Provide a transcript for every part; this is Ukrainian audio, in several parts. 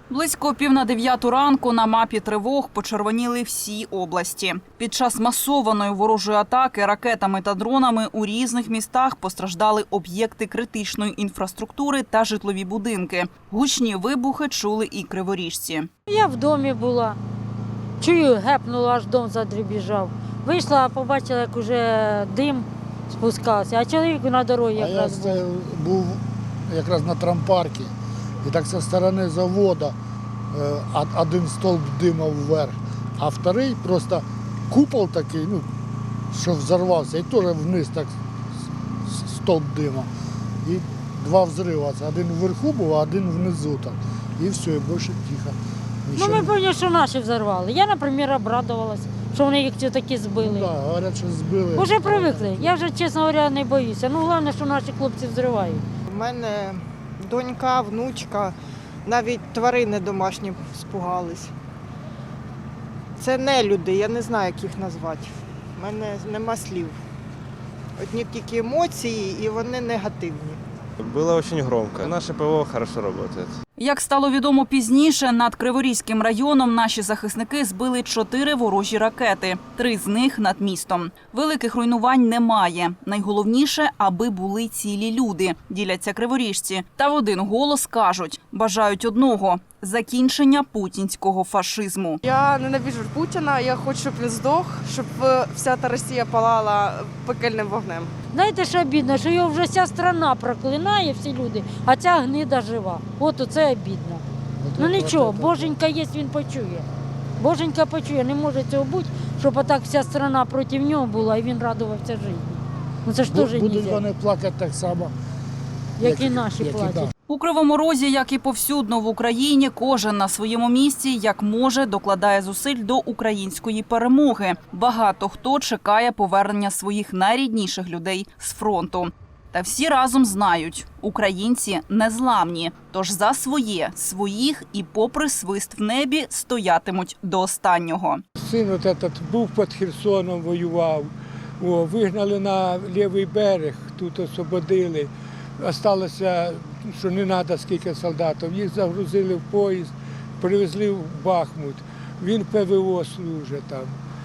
Близько 8:45 ранку на мапі тривог почервоніли всі області. Під час масованої ворожої атаки ракетами та дронами у різних містах постраждали об'єкти критичної інфраструктури та житлові будинки. Гучні вибухи чули і криворіжці. Я в домі була. Чую, гепнула, аж дом задребіжав. Вийшла, побачила, як уже дим спускався, а чоловік на дорозі якраз був. Я був якраз на трампарку, і так зі сторони заводу один стовп дима вверх, а вторий просто купол такий, що взорвався, і теж вниз так стовп дима. І два взриви. Один вверху був, а один внизу. Так. І все, і більше тихо. Ми певні, що наші взорвали. Я, наприклад, обрадувалась, що вони їх таки збили. Так, говорять, що збили. Уже привикли. Я вже, чесно говоря, не боюся. Головне, що наші хлопці взривають. У мене донька, внучка, навіть тварини домашні спугались. Це не люди, я не знаю, як їх назвати. У мене нема слів. Одні тільки емоції, і вони негативні. Было очень громко. Наше ПВО хорошо работает. Як стало відомо пізніше, над Криворізьким районом наші захисники збили 4 ворожі ракети, 3 з них над містом. Великих руйнувань немає. Найголовніше, аби були цілі люди, діляться криворіжці. Та в один голос кажуть, бажають одного – закінчення путінського фашизму. Я ненавиджу Путіна, я хочу, щоб він здох, щоб вся та Росія палала пекельним вогнем. Знаєте, що обідно, що його вже вся страна проклинає, всі люди, а ця гнида жива. От оце обідно. Ну нічого, Боженька є, він почує. Боженька почує, не може цього бути, щоб отак вся страна проти нього була і він радувався житті. Ну це ж теж Будуть нельзя, вони плакати так само, як і наші як і платять. там. У Кривому Розі, як і повсюдно в Україні, кожен на своєму місці, як може, докладає зусиль до української перемоги. Багато хто чекає повернення своїх найрідніших людей з фронту. Та всі разом знають – українці незламні. Тож за своє, своїх і попри свист в небі стоятимуть до останнього. Син от этот був під Херсоном, воював. Вигнали на лівий берег, тут освободили. Осталося, що не треба скільки солдатів. Їх загрузили в поїзд, привезли в Бахмут. Він ПВО служить там.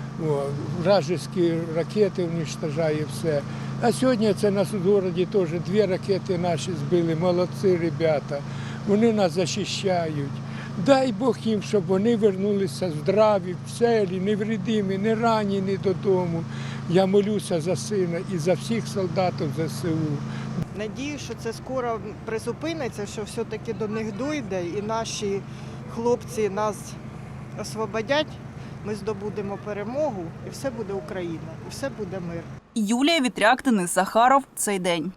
Вражеські ракети уничтожає все. А сьогодні це нас у місті теж 2 ракети наші збили. Молодці ребята. Вони нас захищають. Дай Бог їм, щоб вони вернулися здраві, цілі, невредимі, не ранені додому. Я молюся за сина і за всіх солдатів ЗСУ. Надію, що це скоро призупиниться, що все-таки до них дійде і наші хлопці нас освободять, ми здобудемо перемогу і все буде Україна, і все буде мир. Юлія Вітряк, Денис Захаров. Цей день.